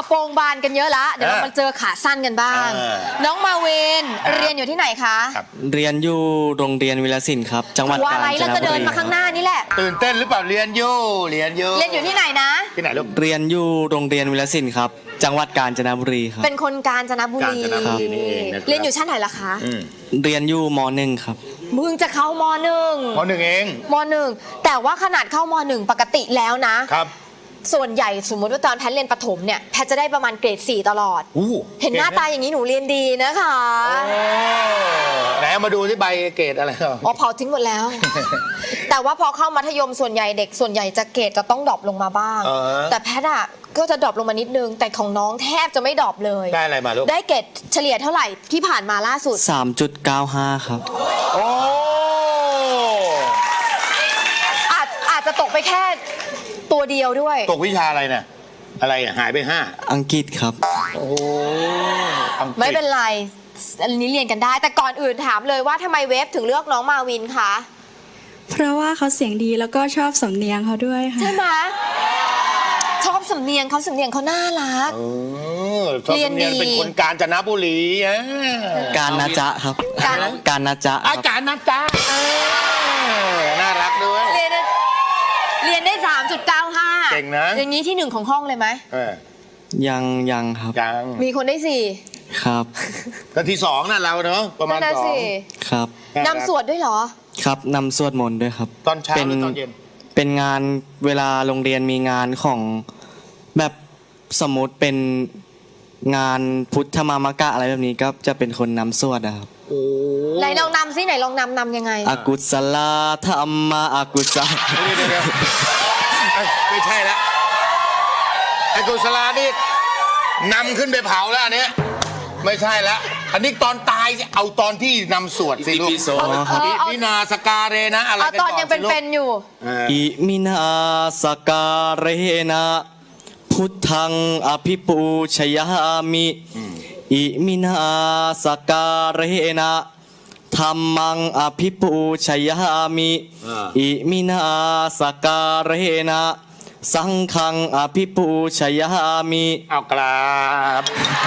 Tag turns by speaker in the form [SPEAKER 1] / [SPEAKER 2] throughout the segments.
[SPEAKER 1] โปรงบานกันเยอะละเดี๋ยวเรามาเจอขาสั้นกันบ้างน้องมาวินเรียนอยู่ที่ไหนคะ
[SPEAKER 2] เรียนอยู่โรงเรียนวิลสินครับจังหวัดกาญจนบุรี
[SPEAKER 1] แล้วจะเดินมาข้างหน้านี่แหละ
[SPEAKER 3] ตื่นเต้นหรือเปล่าเรียนอยู่
[SPEAKER 1] ที่ไหนนะ
[SPEAKER 3] ที่ไหนลูก
[SPEAKER 2] เรียนอยู่โรงเรียนวิลสินครับจังหวัดกาญจนบุรีครับ
[SPEAKER 1] เป็นคนกาญจนบุรี
[SPEAKER 3] นี่เองนะ
[SPEAKER 1] เรียนอยู่ชั้นไหนล่ะคะ
[SPEAKER 2] เรียนอยู่ม.1 ครับ
[SPEAKER 1] มึงจะเข้าม.1
[SPEAKER 3] เอง
[SPEAKER 1] ม.1 แต่ว่าขนาดเข้าม.1 ปกติแล้วนะครับส่วนใหญ่สมมติว่าตอนแพทย์เรียนประถมเนี่ยแพทย์จะได้ประมาณเกรด 4ตลอดเห็นหน้าตาอย่างนี้หนูเรียนดีนะคะ
[SPEAKER 3] ไหนเอามาดูที่ใบเกรดอะไร
[SPEAKER 1] อ๋อเผาทิ้งหมดแล้ว แต่ว่าพอเข้ามัธยมส่วนใหญ่เด็กส่วนใหญ่จะเกรดจะต้องดรอปลงมาบ้างแต่แพทย์อ่ะก็จะดรอปลงมานิดนึงแต่ของน้องแทบจะไม่ดรอปเลย
[SPEAKER 3] ได้อะไรมาลูก
[SPEAKER 1] ได้เกรดเฉลี่ยเท่าไหร่ที่ผ่านมาล่าสุด
[SPEAKER 2] 3.95 ครับ
[SPEAKER 3] โอ้
[SPEAKER 1] อาจจะตกไปแค่ตัวเดียวด้วย
[SPEAKER 3] ตกวิชาอะไรเนี่ยอะไรหายไป5
[SPEAKER 2] อังกฤษครับ
[SPEAKER 3] โอ้
[SPEAKER 1] ไม่เป็นไรอันนี้เรียนกันได้แต่ก่อนอื่นถามเลยว่าทำไมเวฟถึงเลือกน้องมาวินคะ
[SPEAKER 4] เพราะว่าเขาเสียงดีแล้วก็ชอบสำเนียงเขาด้วยค่ะ
[SPEAKER 1] ใช่ไหมชอบสำเนียงเขาน่ารัก
[SPEAKER 3] เรียนดีเป็นคนกาญจนบุรี
[SPEAKER 2] การนะจ๊ะครับการนะจ๊ะ
[SPEAKER 3] การนะจ๊ะน่ารักด้วย
[SPEAKER 1] เรียนได้ 3.95
[SPEAKER 3] เก่งนะ
[SPEAKER 1] อย่างนี้ที่1ของห้องเลยไหม
[SPEAKER 2] ยังครับ
[SPEAKER 3] ยัง
[SPEAKER 1] มีคนได้4
[SPEAKER 2] ครับ
[SPEAKER 3] ก็ที่2น่ะเราเนาะประมาณ2
[SPEAKER 2] ครับ
[SPEAKER 1] นำสวดด้วยเหรอ
[SPEAKER 2] ครับนำสวดมนต์ด้วยครับ
[SPEAKER 3] ตอนเช้าหรือตอนเย็น
[SPEAKER 2] เป็นงานเวลาโรงเรียนมีงานของแบบสมมติเป็นงานพุทธมามกะอะไรแบบนี้ก็จะเป็นคนนำสวดนะครับ
[SPEAKER 1] ไหนลองนำซิไหนลองนำยังไง
[SPEAKER 2] อากุศลธรรมะอากุศล
[SPEAKER 3] ไม่ใช่ละอากุศลนี่นำขึ้นไปเผาแล้วอันนี้ไม่ใช่ละอันนี้ตอนตายเอาตอนที่นำสวดสิลูกอิมินาสกาเรนะอะไร
[SPEAKER 1] ตอนยังเป็นอยู่
[SPEAKER 2] อิมินาสกาเรนะพุทธังอภิปูชยามิอิมินาสการเรนะธัมมังอภิปูชยามิอิมินาสการเรนะสังฆังอภิปูชยามิ
[SPEAKER 3] เอากราบ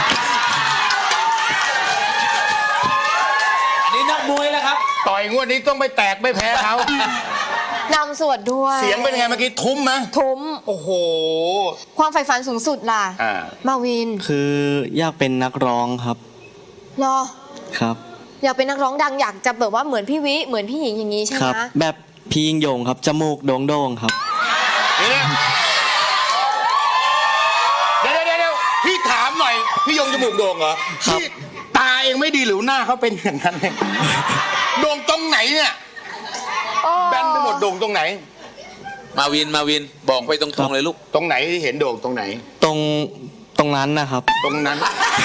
[SPEAKER 5] นี่นักมวยแล้วครับ
[SPEAKER 3] ต่อยงวดนี้ต้องไปแตกไม่แพ้เขา
[SPEAKER 1] นำสวดด้วย
[SPEAKER 3] เสียงเป็นไงเมื่อกี้ทุ้มไหม
[SPEAKER 1] ทุ้ม
[SPEAKER 3] โอ้โห
[SPEAKER 1] ความใฝ่ฝันสูงสุดล่ะมาวิน
[SPEAKER 2] คืออยากเป็นนักร้องครับ
[SPEAKER 1] รอ
[SPEAKER 2] ครับ
[SPEAKER 1] อยากเป็นนักร้องดังอยากจะแบบว่าเหมือนพี่วิเหมือนพี่หญิงอย่างนี้ใช่ไหม
[SPEAKER 2] ครับแบบพี่ยิ่งยงครับจมูกโด่งๆครับ
[SPEAKER 3] เดี๋ยวพี่ถามหน่อยพี่ยงจมูกโด่งเหรอพี่ตาเองไม่ดีหรือหน้าเขาเป็นอย่างนั้นเลยโด่งตรงไหนเนี่ยแบนไปหมดโด่งตรงไหน
[SPEAKER 5] มาวินบอกไปตรงๆเลยลูก
[SPEAKER 3] ตรงไหนที่เห็นโด่งตรงไหน
[SPEAKER 2] ตรงนั้นนะครับ
[SPEAKER 3] ตรงนั้น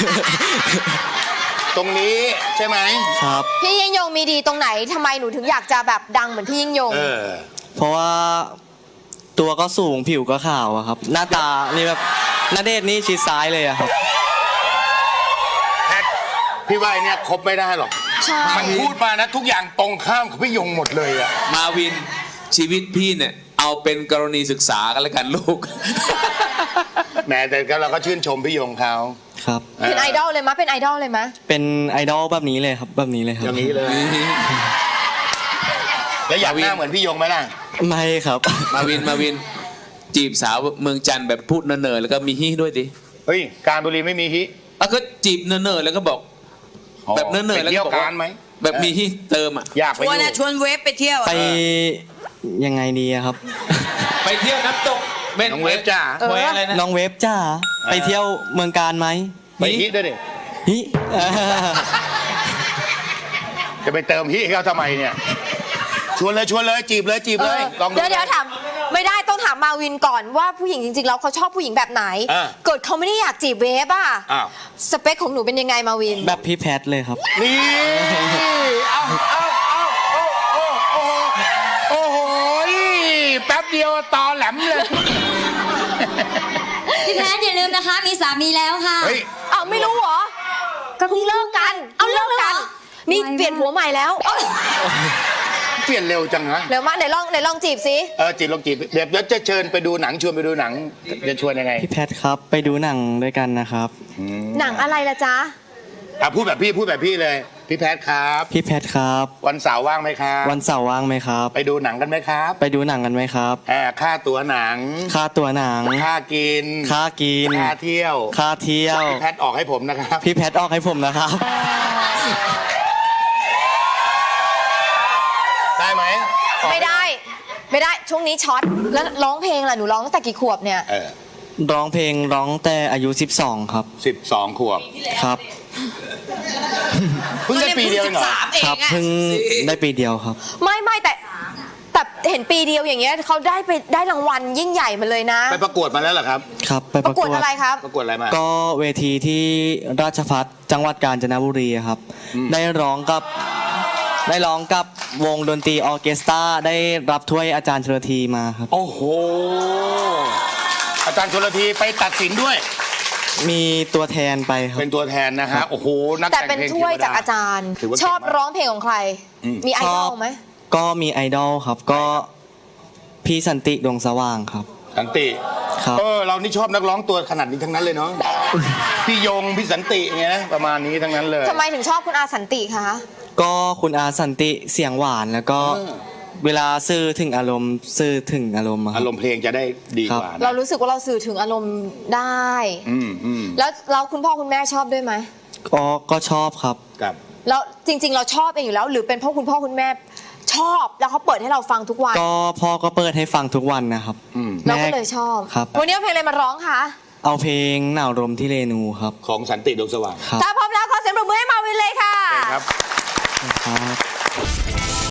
[SPEAKER 3] ตรงนี้ใช่ไหม
[SPEAKER 2] ครับ
[SPEAKER 1] พี่ยิ่งยงมีดีตรงไหนทำไมหนูถึงอยากจะแบบดังเหมือนพี่ยิ่งยง
[SPEAKER 2] เพราะว่าตัวก็สูงผิวก็ขาวอะครับหน้าตานี่แบบณเดชน์นี่ชิดซ้ายเลยอะครับ
[SPEAKER 3] แพทพี่ว่าเนี่ยครบไม่ได้หรอกมันพูดมานะทุกอย่างตรงข้ามกับพี่ยงหมดเลยอะ
[SPEAKER 5] มาวินชีวิตพี่เนี่ยเอาเป็นกรณีศึกษากันแล้วกันลูก
[SPEAKER 3] แม้แต่เราก็ชื่นชมพี่ยงเขา
[SPEAKER 2] ครับ
[SPEAKER 1] เป็นไอดอลเลยมั้ยเป็นไอดอลเลยมั้ย
[SPEAKER 2] เป็นไอดอลแบบนี้เลยครับแบบนี้เลยครับ
[SPEAKER 3] อย่างนี้เลยแล้วอยากหน้าเหมือนพี่ยงไหมล่ะ
[SPEAKER 2] ไม่ครับ
[SPEAKER 5] มาวินจีบสาวเมืองจันทร์แบบพูดเนิร์ๆแล้วก็มีฮิด้วยดิ
[SPEAKER 3] เฮ้ยการบุรีไม่มีฮิ
[SPEAKER 5] ก็จีบเนิร์ๆแล้วก็บอกแบบเนิร์ๆแล้วก็บอก
[SPEAKER 3] ไหม
[SPEAKER 5] แบบมีฮิเติม
[SPEAKER 3] อยากไป
[SPEAKER 1] ชวนเวฟไปเที่ยว
[SPEAKER 2] ไปยังไงดีครับ
[SPEAKER 5] ไปเที่ยวน้ำตก
[SPEAKER 3] น้องเวฟจ้า
[SPEAKER 2] น้องเวฟจ้าไปเที่ยวเมืองการไหม
[SPEAKER 3] ไปฮิด้วยดิ
[SPEAKER 2] ฮิ
[SPEAKER 3] จะไปเติมฮิเขาทำไมเนี่ยชวนเลยจีบเลย
[SPEAKER 1] ลองดูเดี๋ยวถามไม่ได้ต้องถามมาวินก่อนว่าผู้หญิงจริงๆแล้วเขาชอบผู้หญิงแบบไหนเกิดเขาไม่ได้อยากจีบเวฟอ่ะสเปคของหนูเป็นยังไงมาวิน
[SPEAKER 2] แบบพี่แพทเลยครับ
[SPEAKER 3] นี่โอ้โหแป๊บเดียวตอแหลมเลย
[SPEAKER 6] พี่แพทอย่าลืมนะคะมีสามีแล้วค่ะ
[SPEAKER 1] ไม่รู้เหรอก็เพิ่งเลิกกันเลิกกันนี่เปลี่ยนผัวใหม่แล้ว
[SPEAKER 3] เปลี่ยนเร็วจังนะ
[SPEAKER 1] เร็วมากไหนลองจีบสิ
[SPEAKER 3] จีบลองจีบเดี๋ยวจะเชิญไปดูหนังชวนไปดูหนังจะชวนยังไง
[SPEAKER 2] พี่แพทครับไปดูหนังด้วยกันนะครับ
[SPEAKER 1] หนังอะไรล่ะจ๊ะ
[SPEAKER 3] พูดแบบพี่เลยพี่แพทครับ
[SPEAKER 2] พี่แพทครับ
[SPEAKER 3] วันเสาร์ว่างไหมครับ
[SPEAKER 2] วันเสาร์ว่างไหมครับ
[SPEAKER 3] ไปดูหนังกันไหมครับ
[SPEAKER 2] ไปดูหนังกันไหมครับ
[SPEAKER 3] ค่าตั๋วหนัง
[SPEAKER 2] ค่าตั๋วหนัง
[SPEAKER 3] ค่ากิน
[SPEAKER 2] ค่ากิน
[SPEAKER 3] ค่าเที่ยว
[SPEAKER 2] ค่าเที่ยว
[SPEAKER 3] พี่แพทออกให้ผมนะครับ
[SPEAKER 2] พี่แพทออกให้ผมนะครับ
[SPEAKER 3] ได้ไหม
[SPEAKER 1] ไม่ได้ช่วงนี้ช็อตแล้วร้องเพลงล่ะหนูร้องตั้งแต่กี่ขวบเนี่ย
[SPEAKER 2] ร้องเพลงร้องแต่อายุ 12 ครับ
[SPEAKER 3] 12 ขวบ
[SPEAKER 2] ครับ
[SPEAKER 3] เพิ่งได้ปีเดียวเองเหรอ
[SPEAKER 2] ครับเพิ่งได้ปีเดียวครับ
[SPEAKER 1] ไม่แต่เห็นปีเดียวอย่างเงี้ยเขาได้รางวัลยิ่งใหญ่มาเลยนะ
[SPEAKER 3] ไปประกวดมาแล้วเหรอครับ
[SPEAKER 2] ครับไป
[SPEAKER 1] ป
[SPEAKER 2] ประ ระ
[SPEAKER 1] ก
[SPEAKER 2] ก
[SPEAKER 1] ว
[SPEAKER 2] ว
[SPEAKER 1] ด
[SPEAKER 2] ด
[SPEAKER 1] อะไรครับ
[SPEAKER 3] ประกวดอะไรมา
[SPEAKER 2] ก็เวทีที่ราชภัฏจังหวัดกาญจนบุรีครับ ได้ร้องกับวงดนตรีออร์เคสตราได้รับถ้วยอาจารย์ชลธีมาครับ
[SPEAKER 3] โอ้โห อาจารย์ชลธีไปตัดสินด้วย
[SPEAKER 2] มีตัวแทนไปครับ
[SPEAKER 3] เป็นตัวแทนนะฮะ โอ้โห นัก
[SPEAKER 1] แต่
[SPEAKER 3] แต่ง
[SPEAKER 1] เป็น
[SPEAKER 3] เพลง
[SPEAKER 1] ถ้วย
[SPEAKER 3] เทวด
[SPEAKER 1] จากอาจารย์
[SPEAKER 3] ถือว่า
[SPEAKER 1] ชอบ
[SPEAKER 3] เก่งมาก
[SPEAKER 1] ร้องเพลงของใคร มีไอดอลไหม
[SPEAKER 2] ก็มีไอดอลครับ ก็พี่สันติดวงสว่างครับ
[SPEAKER 3] สันติ
[SPEAKER 2] ครับ
[SPEAKER 3] เรานี่ชอบนักร้องตัวขนาดนี้ทั้งนั้นเลยเนาะ พี่ยง พี่สันติไงนะประมาณนี้ทั้งนั้นเลย
[SPEAKER 1] ทำไมถึงชอบคุณอาสันติคะ
[SPEAKER 2] ก็คุณอาสันติเสียงหวานแล้วก็เวลาสื่อถึงอารมณ์อะค
[SPEAKER 3] อา
[SPEAKER 2] รับ
[SPEAKER 3] รมณ์เพลงจะได้ดีกว่า
[SPEAKER 1] เรา
[SPEAKER 3] นะ
[SPEAKER 1] รู้สึกว่าเราสื่อถึงอารมณ์ได้
[SPEAKER 3] อืม
[SPEAKER 1] แล้วเราคุณพ่อคุณแม่ชอบด้วยไหม
[SPEAKER 2] ก็ชอบครับ
[SPEAKER 3] กับ
[SPEAKER 1] แล้วจริง ๆ เราชอบเองอยู่แล้ว หรือเป็นเพราะคุณพ่อคุณแม่ชอบแล้วเขาเปิดให้เราฟังทุกวัน
[SPEAKER 2] ก็พ่อก็เปิดให้ฟังทุกวันนะครับ
[SPEAKER 1] เราก็เลยชอบ
[SPEAKER 2] ครับ
[SPEAKER 1] วันนี้เอาเพลงอะไรมาร้องคะ
[SPEAKER 2] เอาเพลงหนาวลมที่เรนูครับ
[SPEAKER 3] ของสันติดวงสว่าง
[SPEAKER 2] ครับ
[SPEAKER 1] ถ้าพร้อมแล้วขอเสียงปรบมือให้มาวินเลยค่ะ
[SPEAKER 3] ครับ
[SPEAKER 2] ครับ